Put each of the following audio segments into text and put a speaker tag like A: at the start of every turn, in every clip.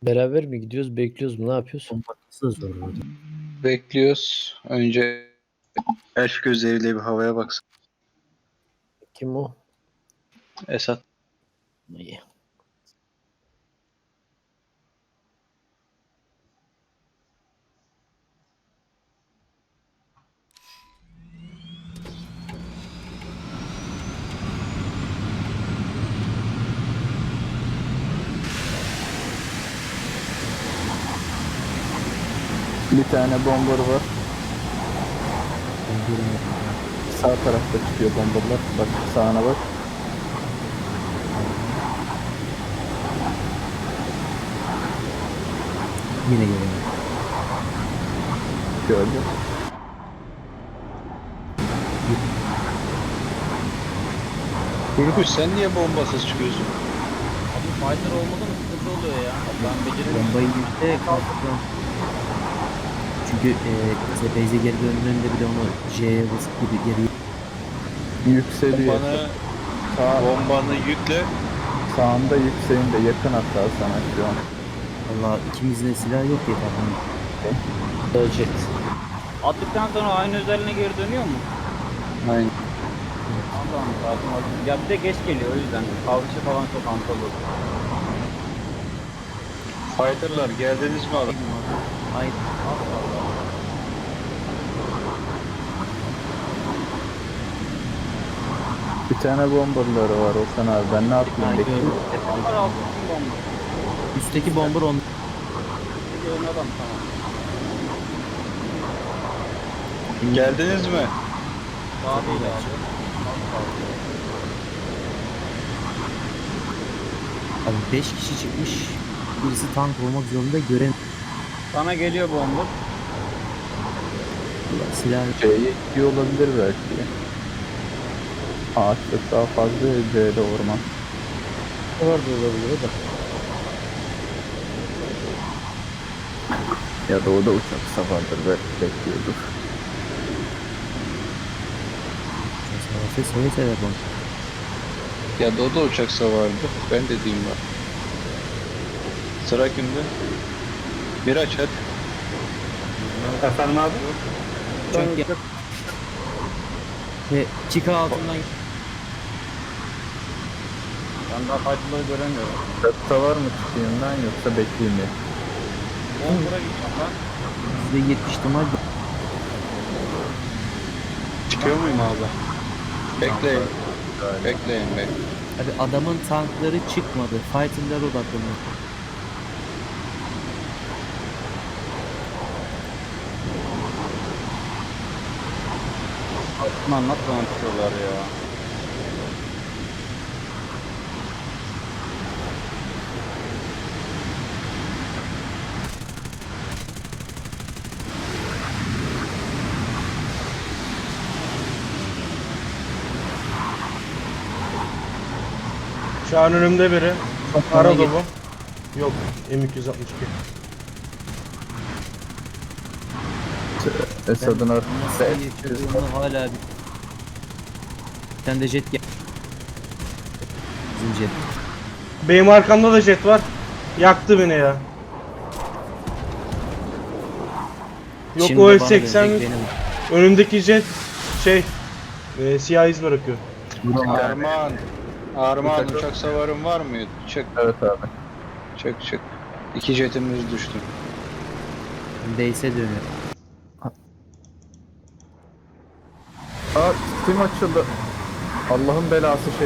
A: Beraber mi gidiyoruz, bekliyoruz mu, ne yapıyoruz?
B: Bakması da zor burada.
C: Bekliyoruz. Önce elf gözleriyle bir havaya baksın.
A: Kim o?
C: Esat.
A: İyi.
D: Bir tane bomber var.
B: Ben görmedim ya.
D: Sağ tarafta çıkıyor bomberlar. Bak sağına bak.
B: Yine geliyor.
D: Gördüm.
C: Kurguç sen niye bombasız çıkıyorsun?
E: Abi fighter olmadı mı sıkıntı oluyor ya. Ben beceremiyorum.
B: Bombayı yükle kalkacağım. Çünkü base'e geri döndüğünde bir de onu J'ye basıp gibi geri
D: Yükseliyor.
C: Bombanı,
D: Sağ,
C: bombanı yükle.
D: sağında yükseğinde yakın hatta sana şu an.
B: Valla ikimizin de silah yok ya tamam.
A: Ölecek.
E: Attıktan sonra aynı özelliğine geri dönüyor mu?
C: Aynen.
E: Allah'ım lazım. Ya bir de geç geliyor o yüzden. Kalkışı falan çok antalı.
C: Fighter'lar geldiniz mi abi?
B: Hayır.
E: Allah Allah.
D: Bir tane bomberları var Okan abi. Ben ne yapayım
B: Ha,
D: bekliyorum.
B: gördüm.
E: Onlar altı kim bomba?
B: Üstteki bomber on.
E: Bir ön adam tamam.
C: Geldiniz mi?
E: Daha değil abi.
B: Abi 5 kişi çıkmış. Birisi tank olmak zorunda gören
E: Sana geliyor bomba.
B: silah
D: C'ye gidiyor olabilir belki. Ağaçlık daha fazla C'de orman.
A: Var da olabilir o da.
D: Ya da o da uçak savardır belki bekliyordur.
B: seve seve bomba.
C: Ya Dodo uçak savardı. Ben de diyeyim var. Sıra kimde? Miraç hadi.
F: Efendim abi?
B: Çok ya. Ve çıka altından
E: Ben daha fighter'ları göremiyorum.
D: Çatıda var mı çıkayımdan yoksa bekleyeyim mi?
E: Bomber'a gideceğim ben.
B: %70 ihtimal
C: Çıkıyor muyum abi? Bekleyin. Bekleyin be.
B: abi adamın tankları çıkmadı. Fighter'lar odaklanıyor.
E: Aslında anlat bana tutuyorlar ya.
F: Şu an önümde biri.
B: Bana
F: Ara
B: git.
F: dolu. Yok. M262.
D: Esad'ın
B: Nasıl
D: arkasında
B: yaşadığını hala bir... Sen de jet gel. Bizim jet.
F: Benim arkamda da jet var. Yaktı beni ya. Yok
B: Şimdi
F: o
B: bana
F: F80
B: dönecek benim.
F: önündeki jet siyah iz bırakıyor.
C: Armağan. Armağan uçak savarın var mı? Çık
D: Evet abi.
C: çık çık. İki jetimiz düştü.
B: Base'e dönüyor.
D: Aa Steam açıldı. Allah'ın belası şey.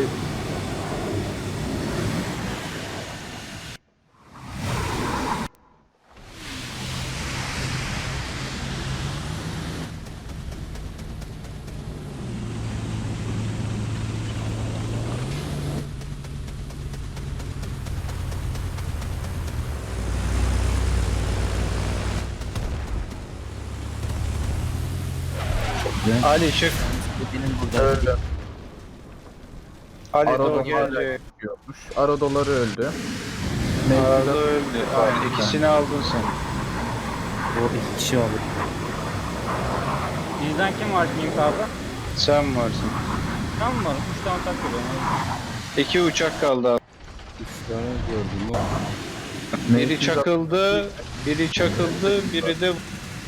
C: Ali çık.
B: Benim burada.
D: Öldü.
C: Ali
D: Arada
C: Doğu
D: hala
C: geldi.
D: çıkıyormuş. Aradoları öldü.
C: Arada öldü. Aynen ikisini aldın sen.
B: O iki kişi aldı.
E: Bizden kim var King abi?
C: Sen varsın.
E: Ben mi varım? 3 tane tak geliyor.
C: İki uçak kaldı abi.
A: 3 tane gördüm ya.
C: Biri çakıldı, biri de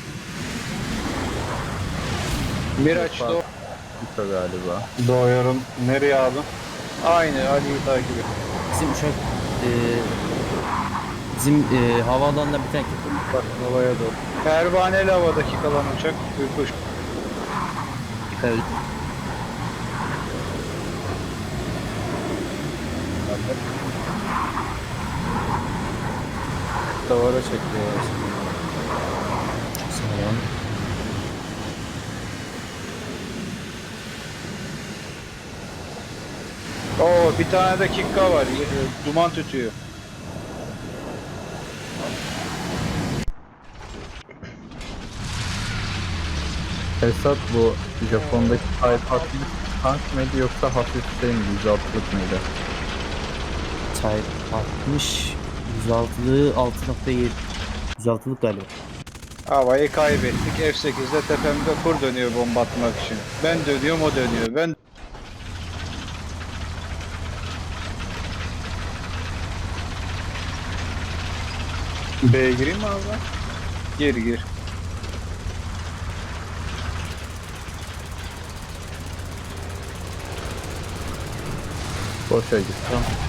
C: Miraç da
D: galiba.
F: Doğuyorum. Nereye abi?
C: aynı Ali'yi takip et.
B: Bizim uçak bizim havaalanında bir tane
A: Bak havaya doğru.
C: Pervaneli havadaki kalan uçak Ürkuş.
A: Davara çekiyor.
B: sağlam.
C: Oo bir tane de kikka var. Duman tütüyor.
D: Esat bu Japon'daki Type 60 tank mıydı yoksa hafif şey miydi? 106'lık mıydı?
B: Type 60 106'lığı 6.7 106'lık galiba.
C: Havayı kaybettik. F8'de tepemde kur dönüyor bomba atmak için. Ben dönüyorum, o dönüyor. Ben B'ye gireyim mi abi? Gir gir.
D: Boşa git.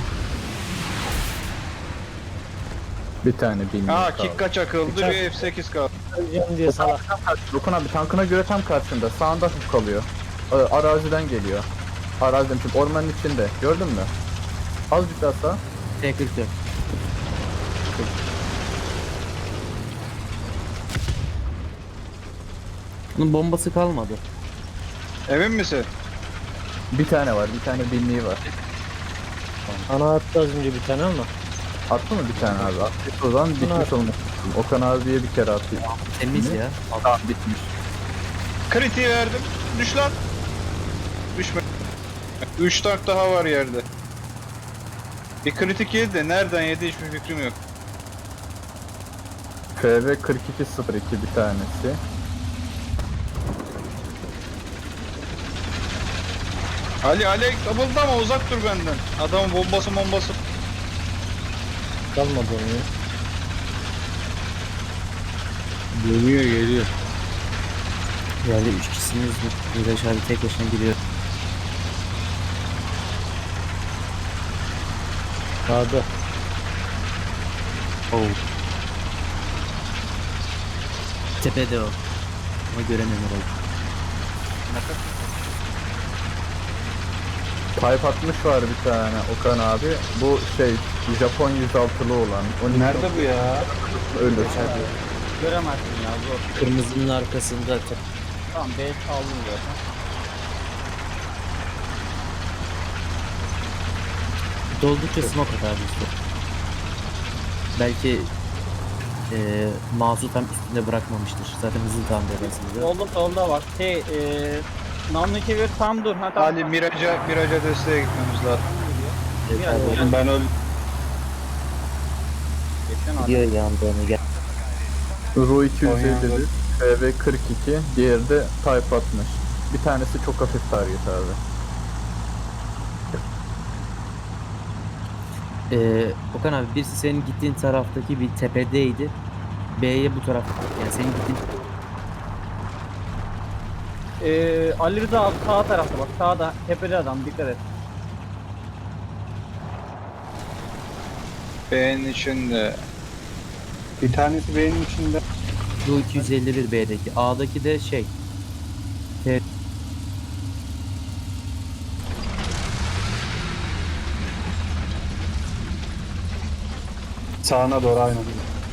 D: Bir tane bin.
C: Ha kikka çakıldı, bir F8 kaldı.
A: Öleceğim diye salak.
D: Dokun abi tankına göre tam karşında. Sağında hafif kalıyor. Araziden geliyor. Araziden çünkü ormanın içinde. Gördün mü? Azıcık daha sağ.
B: T44. Bunun bombası kalmadı.
C: Emin misin?
D: Bir tane var. Bir tane binliği var.
A: Ana attı az önce bir tane ama.
D: Attı mı bir tane abi? Attı o zaman bitmiş olmuş. Okan abiye bir kere atayım.
B: Temiz ya.
D: Tamam bitmiş.
C: Kritiği verdim. Düş lan. Düşme. 3 tank daha var yerde. Bir kritik yedi de nereden yedi hiçbir fikrim yok.
D: FV 4202 bir tanesi.
C: Ali kıpıldama, uzak dur benden. Adamın bombası.
A: Kalmadı onu ya.
C: Geliyor.
B: Yani 3 kişisiniz. Miraç abi tek başına giriyor.
A: Sağda.
B: Oh. Tepede o. Ama göremiyorum orayı.
D: Type 60 var bir tane Okan abi. Bu şey Japon 106'lı olan. O
F: Nerede bu ya?
D: ölür.
E: Göremezsin ya zor.
A: Kırmızının arkasında.
E: Tamam B aldım zaten.
B: Doldukça smoke atar bizde. Belki mouse'u tam üstünde bırakmamıştır. Zaten hızlı tam arasında.
E: Solda var. Namlu çevir tam dur. Ha, tamam.
C: Ali Miraç'a desteğe gitmemiz lazım.
E: Biraz
F: Ben öldüm.
E: geçen abi.
A: Gidiyor yandığını gel.
D: Ru 251, FV 42, diğeri de Type 60. Bir tanesi çok hafif target abi.
B: Okan abi birisi senin gittiğin taraftaki bir tepedeydi. B'ye bu taraf. Yani senin gittiğin
E: Ali Rıza abi sağ tarafta bak. Sağda tepede adam dikkat et.
C: B'nin içinde.
F: Bir tanesi benim içinde.
B: bu 251 B'deki. A'daki de şey.
F: Sağına doğru aynen.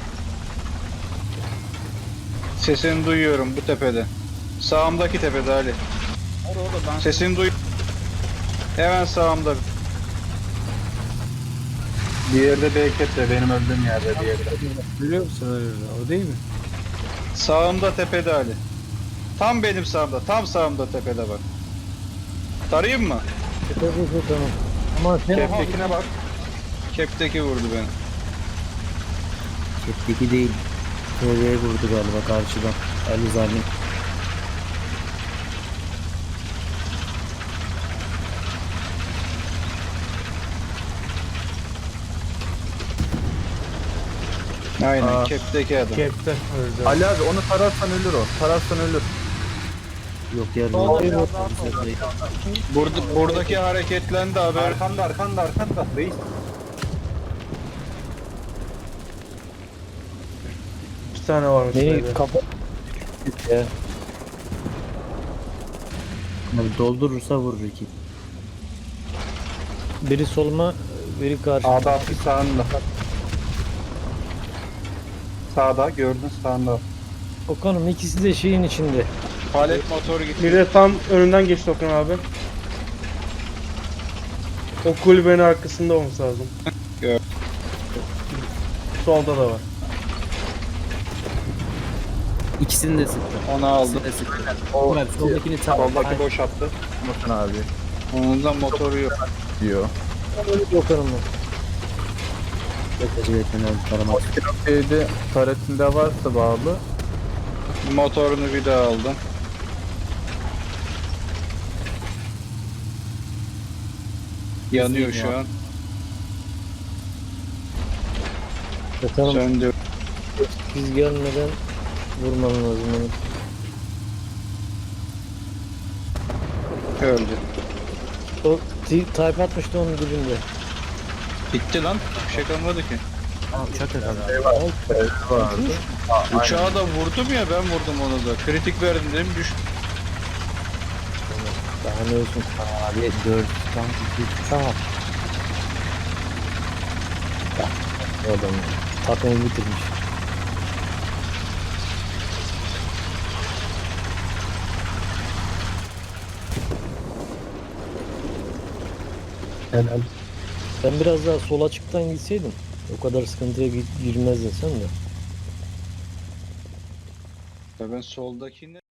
C: Sesini duyuyorum bu tepede. Sağımdaki tepede Ali.
E: Orada ben
C: Sesini duy. Hemen sağımda.
F: Diğeri de Beyket de benim öldüğüm yerde diğeri de.
A: Biliyor musun öyle? O değil mi?
C: Sağımda tepede Ali. Tam benim sağımda. Tam sağımda tepede bak. Tarayayım mı?
A: Tabii tamam. Ama sen
F: Keptekine bak.
C: Kepteki vurdu beni.
B: Chat'teki değil. TV'ye vurdu galiba karşıdan. Ali Zalim.
C: Aynen
D: Aa.
C: kepteki adam.
F: Kepte öldü.
D: Ali abi onu tararsan ölür o. Tararsan ölür.
B: Yok ya.
E: Solda
B: Reis.
E: biraz daha solda.
C: Buradaki hareketlendi haber.
E: Arkanda reis.
F: Bir tane varmış.
A: Beni
F: böyle.
A: kapat. Ya.
B: Abi doldurursa vurur iki.
A: Biri soluma, biri karşı.
C: Sağda hafif sağında. Sağda gördün sağında.
A: Okan'ım ikisi de şeyin içinde.
C: Palet motoru gitti.
F: Biri de tam önünden geçti Okan abi. O kulübenin arkasında olması lazım.
C: Gör.
F: Solda da var.
B: İkisini de sıktı.
C: Onu aldım.
B: İkisini de sıktı.
D: O
B: Abi soldakini tam.
C: Soldaki boş attı.
D: Bakın abi
C: Ondan motoru yok.
D: diyor.
A: Okan'ım.
B: Yok acele etmen lazım. Taramak.
D: Şeyde taretinde varsa bağlı.
C: Motorunu bir daha aldım. Yanıyor şu an.
A: Okan'ım
C: Söndü.
A: biz gelmeden vurman lazım onu.
C: Öldü.
A: O type atmıştı onun dibinde.
C: Bitti lan. Bir şey kalmadı ki.
B: Aa uçak herhalde.
D: Vardı.
C: Uçağı da vurdum ya ben vurdum onu da. Kritik verdim dedim düştü.
A: Daha ne olsun.
B: Abi 4 tank 2
A: Tamam. O adam takımı bitirmiş.
D: Helal.
A: Sen biraz daha sol açıktan gitseydin o kadar sıkıntıya girmezdin sen de.
C: Ya ben soldakini